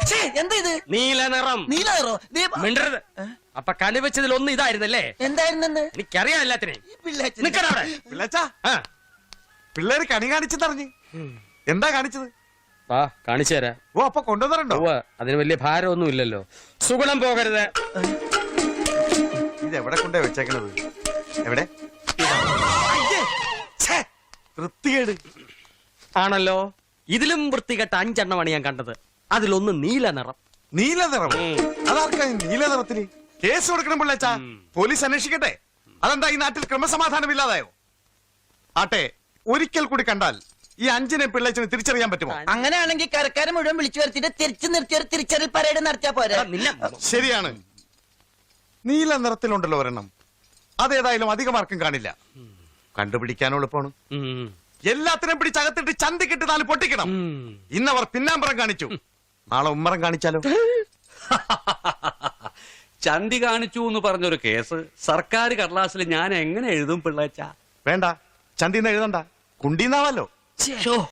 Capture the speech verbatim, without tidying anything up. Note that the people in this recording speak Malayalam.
എന്താ ഇത്? നീല നിറം. നീല നിറോ? മിണ്ടരുത്. അപ്പൊ കണിവെച്ചതിൽ ഒന്ന് ഇതായിരുന്നല്ലേ? എന്തായിരുന്നെന്ന് എനിക്കറിയാം എല്ലാത്തിനെയും. നിക്കണവിടെ. പിള്ളേച്ചാ പിള്ളേര് കണി കാണിച്ചെന്നറിഞ്ഞ് എന്താ കാണിച്ചത്? വാ കാണിച്ചു തരാം. ഓ അപ്പൊ കൊണ്ടുവന്നിട്ടുണ്ടോ? അതിന് വലിയ ഭാരമൊന്നും ഇല്ലല്ലോ. സുഗുണം പോകരുത്. ഇത് എവിടെ കൊണ്ടേ വെച്ചേക്കണത്? എവിടെ? വൃത്തികേട് ആണല്ലോ. ഇതിലും വൃത്തികെട്ട അഞ്ചെണ്ണമാണ് ഞാൻ കണ്ടത്. അതിലൊന്ന് നീല നിറം. നീല നിറം? അതാർക്കാ നീല നിറത്തില്? കേസ് കൊടുക്കണം പിള്ളേച്ചാ. പോലീസ് അന്വേഷിക്കട്ടെ. അതെന്താ ഈ നാട്ടിൽ ക്രമസമാധാനം ഇല്ലാതായോ? ആട്ടെ, ഒരിക്കൽ കൂടി കണ്ടാൽ ഈ അഞ്ചിനെ പിള്ളേച്ചിന് തിരിച്ചറിയാൻ പറ്റുമോ? അങ്ങനെയാണെങ്കിൽ കരക്കാരെ മുഴുവൻ വിളിച്ചു വരുത്തിട്ട് തിരിച്ചു നിർത്തി ഒരു തിരിച്ചറിയൽ പരേഡ് നടത്തിയാ പോരെ? ശരിയാണ്. നീല നിറത്തിലുണ്ടല്ലോ ഒരെണ്ണം. അതേതായാലും അധികമാർക്കും കാണില്ല. കണ്ടുപിടിക്കാനോ എളുപ്പമാണ്. എല്ലാത്തിനും പിടിച്ചകത്തിട്ട് ചന്തിക്കിട്ട് നാല് പൊട്ടിക്കണം. ഇന്നവർ പിന്നാമ്പറം കാണിച്ചു, നാളെ ഉമ്മറം കാണിച്ചാലോ? ചന്തി കാണിച്ചു എന്ന് പറഞ്ഞൊരു കേസ് സർക്കാർ കടലാസിൽ ഞാൻ എങ്ങനെ എഴുതും പിള്ളേച്ച? വേണ്ട, ചന്തിന്ന് എഴുതണ്ട, കുണ്ടീന്നാവല്ലോ.